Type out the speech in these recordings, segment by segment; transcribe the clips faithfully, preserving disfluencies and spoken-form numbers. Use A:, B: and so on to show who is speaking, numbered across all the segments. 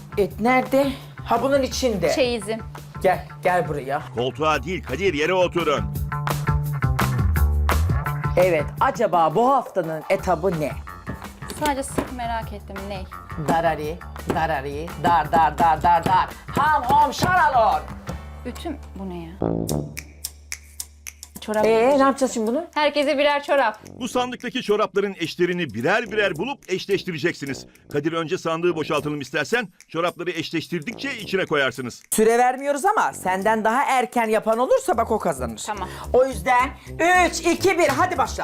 A: Et nerede? Ha bunun içinde.
B: Çeyizim.
A: Gel, gel buraya.
C: Koltuğa değil Kadir, yere oturun.
A: Evet, acaba bu haftanın etabı ne?
B: Sadece sırf merak ettim ne?
A: Darari, darari, dar dar dar dar dar. Ham hom şaralon.
B: Ütüm bu ne ya? Çorap.
A: Ee, ne yapacağız şimdi bunu?
B: Herkese birer çorap.
C: Bu sandıktaki çorapların eşlerini birer birer bulup eşleştireceksiniz. Kadir önce sandığı boşaltalım istersen. Çorapları eşleştirdikçe içine koyarsınız.
A: Süre vermiyoruz ama senden daha erken yapan olursa bak o kazanır.
B: Tamam.
A: O yüzden üç, iki, bir hadi başla.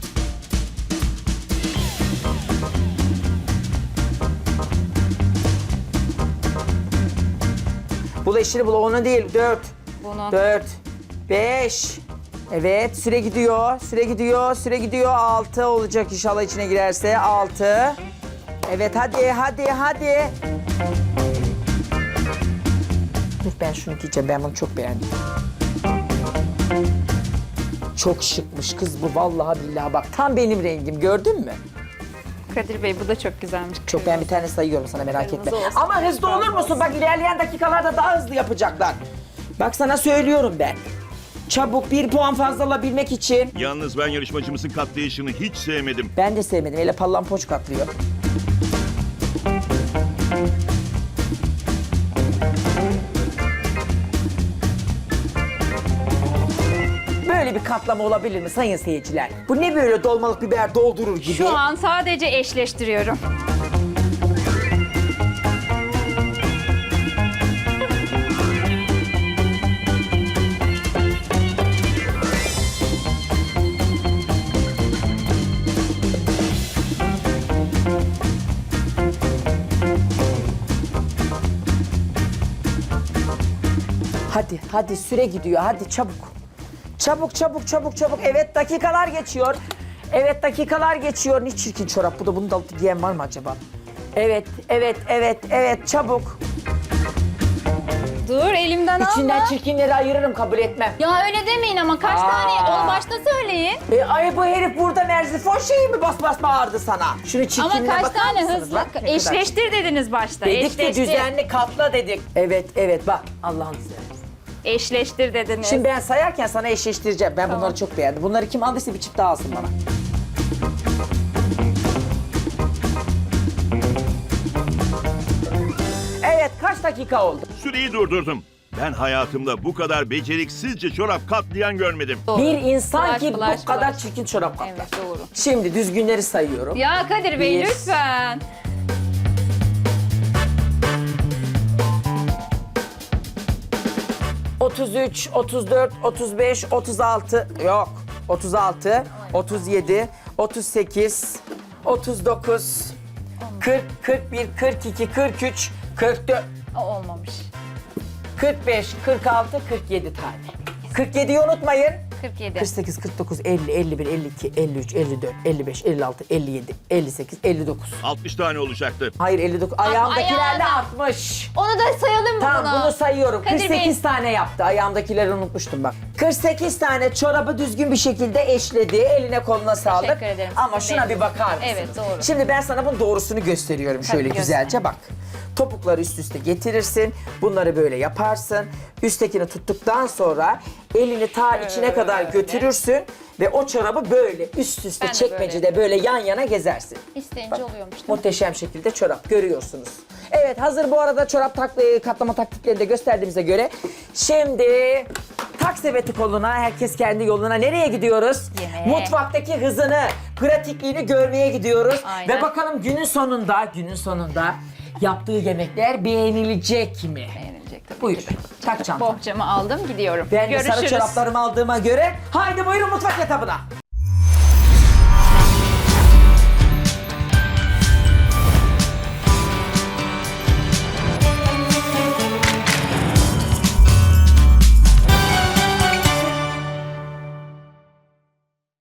A: Bul eşini bul, onu değil. Dört.
B: Bunu.
A: Dört. Beş. Evet, süre gidiyor, süre gidiyor, süre gidiyor. Altı olacak inşallah içine girerse. Altı. Evet, hadi, hadi, hadi. Dur ben şunu giyeceğim, ben bunu çok beğendim. Çok şıkmış kız bu, vallahi billahi bak. Tam benim rengim, gördün mü?
B: Kadir Bey bu da çok güzelmiş.
A: Çok, ben bir tane sayıyorum sana, merak etme.
B: Kırmızı olsun.
A: Ama hızlı olur musun? Bak ilerleyen dakikalarda daha hızlı yapacaklar. Bak sana söylüyorum ben. Çabuk bir puan fazla alabilmek için.
C: Yalnız ben yarışmacımızın katlayışını hiç sevmedim.
A: Ben de sevmedim. Öyle pallampoç katlıyor. Böyle bir katlama olabilir mi sayın seyirciler? Bu ne böyle dolmalık biber doldurur gibi?
B: Şu an sadece eşleştiriyorum.
A: Hadi, hadi süre gidiyor. Hadi çabuk. Çabuk, çabuk, çabuk, çabuk. Evet dakikalar geçiyor. Evet dakikalar geçiyor. Ne çirkin çorap bu da. Bunu da alıp giyen var mı acaba? Evet, evet, evet, evet. Çabuk.
B: Dur elimden
A: İçinden
B: alma.
A: çirkinleri ayırırım, kabul etmem.
B: Ya öyle demeyin ama kaç
A: Aa.
B: tane onu başta söyleyin.
A: E, ay bu herif burada merzifon şeyi mi bas bas bağırdı sana? Şunu
B: Ama
A: çirkinliğine
B: kaç
A: bakar
B: tane
A: mısınız?
B: hızlı
A: Bak ne kadar
B: eşleştir dediniz başta.
A: çirkin. Dedik de
B: Eşleştir.
A: düzenli katla dedik. Evet, evet bak Allah'ını seversen.
B: Eşleştir dediniz.
A: Şimdi ben sayarken sana eşleştireceğim. Ben bunları çok beğendim. Bunları kim aldıysa bir çift daha alsın bana. Evet, kaç dakika oldu?
C: Süreyi durdurdum. Ben hayatımda bu kadar beceriksizce çorap katlayan görmedim.
B: Doğru.
A: Bir insan
B: Flash,
A: ki
B: flash,
A: bu kadar
B: flash.
A: çirkin çorap katlar.
B: Evet doğru.
A: Şimdi düzgünleri sayıyorum.
B: Ya Kadir Bey
A: Bir.
B: lütfen.
A: otuz üç, otuz dört, otuz beş, otuz altı, yok. otuz altı, otuz yedi, otuz sekiz, otuz dokuz, kırk, kırk bir, kırk iki, kırk üç, kırk dört,
B: O olmamış.
A: kırk beş, kırk altı, kırk yedi tane. kırk yediyi unutmayın.
B: kırk yedi.
A: kırk sekiz, kırk dokuz, elli, elli bir, elli iki, elli üç, elli dört, elli beş, elli altı, elli yedi, elli sekiz, elli dokuz.
C: altmış tane olacaktı.
A: Hayır elli dokuz. Ayağımdakilerle
B: ayağına.
A: altmış.
B: Onu da sayalım mı
A: Tamam
B: buna?
A: bunu sayıyorum.
B: Kadir
A: kırk sekiz
B: Bey.
A: tane yaptı. Ayağımdakileri unutmuştum bak. kırk sekiz tane çorabı düzgün bir şekilde eşledi. Eline koluna sağlık.
B: Teşekkür ederim.
A: Ama
B: Sizin
A: şuna
B: de.
A: bir bakar mısınız?
B: Evet, doğru.
A: Şimdi ben sana bunun doğrusunu gösteriyorum.
B: Tabii,
A: Şöyle
B: göster.
A: güzelce bak. Topukları üst üste getirirsin. Bunları böyle yaparsın. Üsttekini tuttuktan sonra elini ta içine kadar götürürsün. Ve o çorabı böyle üst üste
B: Ben de
A: çekmecede böyle. yan yana gezersin.
B: İsteyince oluyormuş. değil mi?
A: Muhteşem şekilde çorap görüyorsunuz. Evet hazır bu arada çorap takla, katlama taktiklerini de gösterdiğimize göre şimdi tak sepeti koluna, herkes kendi yoluna. Nereye gidiyoruz?
B: Yemeğe.
A: Mutfaktaki hızını, pratikliğini görmeye gidiyoruz.
B: Aynen.
A: Ve bakalım günün sonunda, günün sonunda yaptığı yemekler beğenilecek mi?
B: Beğenilecek tabii.
A: Buyur,
B: ki de.
A: tak çanta.
B: Bohçamı aldım gidiyorum.
A: Ben de sarı
B: Görüşürüz.
A: çoraplarımı aldığıma göre haydi buyurun mutfak etabına.